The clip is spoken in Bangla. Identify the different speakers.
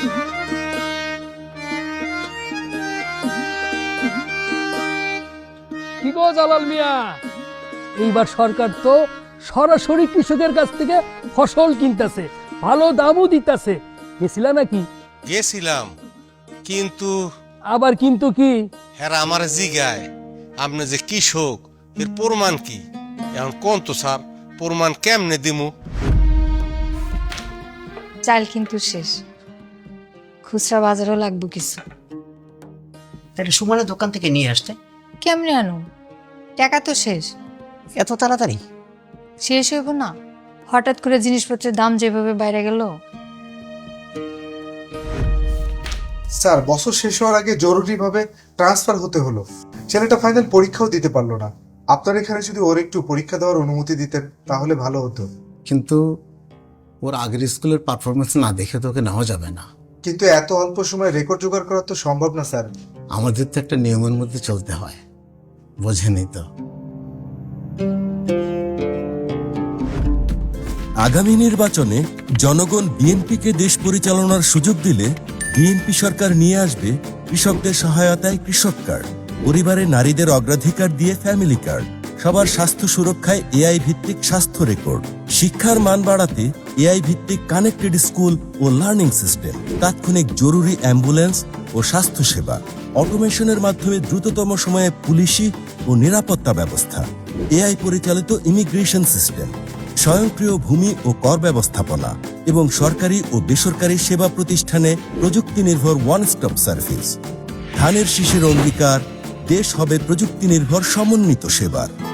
Speaker 1: কি গো জালাল মিয়া, এইবার সরকার তো সরাসরি কৃষকের কাছ থেকে ফসল কিনতেছে, ভালো দামও দিতেছে। গেছিলা নাকি?
Speaker 2: গেছিলাম, কিন্তু
Speaker 1: আবার কিন্তু কি?
Speaker 2: হেরা আমার জিগায় আপনি যে কৃষক এর প্রমাণ কি? এখন কোন তো স্যার, প্রমাণ কেমনে দিমু?
Speaker 3: চাল কিন্তু শেষ, খুচরা বাজারও লাগবে কিছু।
Speaker 4: তাহলে সুমনের দোকান থেকে নিয়ে আসতে।
Speaker 3: কেমনে আনো? টাকা তো শেষ।
Speaker 4: এত তাড়াতাড়ি?
Speaker 3: শেষ হইব না, হঠাৎ করে জিনিসপত্রের দাম যেভাবে বাইরে গেল।
Speaker 5: স্যার, বছর শেষ হওয়ার আগে জরুরিভাবে ট্রান্সফার হতে হলো। ছেলেটা ফাইনাল পরীক্ষাও দিতে পারলো না। আপনার এখানে যদি ওর একটু পরীক্ষা দেওয়ার অনুমতি দিতেন তাহলে ভালো হতো।
Speaker 6: কিন্তু ওর আগের স্কুলের পারফরমেন্স না দেখে তো ওকে নেওয়া যাবে না।
Speaker 5: কিন্তু এত অল্প সময় রেকর্ড জোগাড় করা তো সম্ভব না স্যার।
Speaker 6: আমাদের তো একটা নিয়মের মধ্যে চলতে হয়, বোঝেনি তো।
Speaker 7: আগামী নির্বাচনে জনগণ বিএনপিকে দেশ পরিচালনার সুযোগ দিলে বিএনপি সরকার নিয়ে আসবে কৃষকদের সহায়তায় কৃষক কার্ড, পরিবারে নারীদের অগ্রাধিকার দিয়ে ফ্যামিলি কার্ড, সবার স্বাস্থ্য সুরক্ষায় এআই ভিত্তিক স্বাস্থ্য রেকর্ড, শিক্ষার মান বাড়াতে এআই ভিত্তিক কানেক্টেড স্কুল ও লার্নিং সিস্টেম, তাৎক্ষণিক জরুরি অ্যাম্বুলেন্স ও স্বাস্থ্যসেবা, অটোমেশনের মাধ্যমে দ্রুততম সময়ে পুলিশি ও নিরাপত্তা ব্যবস্থা, এআই পরিচালিত ইমিগ্রেশন সিস্টেম, স্বয়ংক্রিয় ভূমি ও কর ব্যবস্থাপনা এবং সরকারি ও বেসরকারি সেবা প্রতিষ্ঠানে প্রযুক্তি নির্ভর ওয়ান স্টপ সার্ভিস। ধানের শীষের অঙ্গীকার, দেশ হবে প্রযুক্তি নির্ভর সমন্বিত সেবার।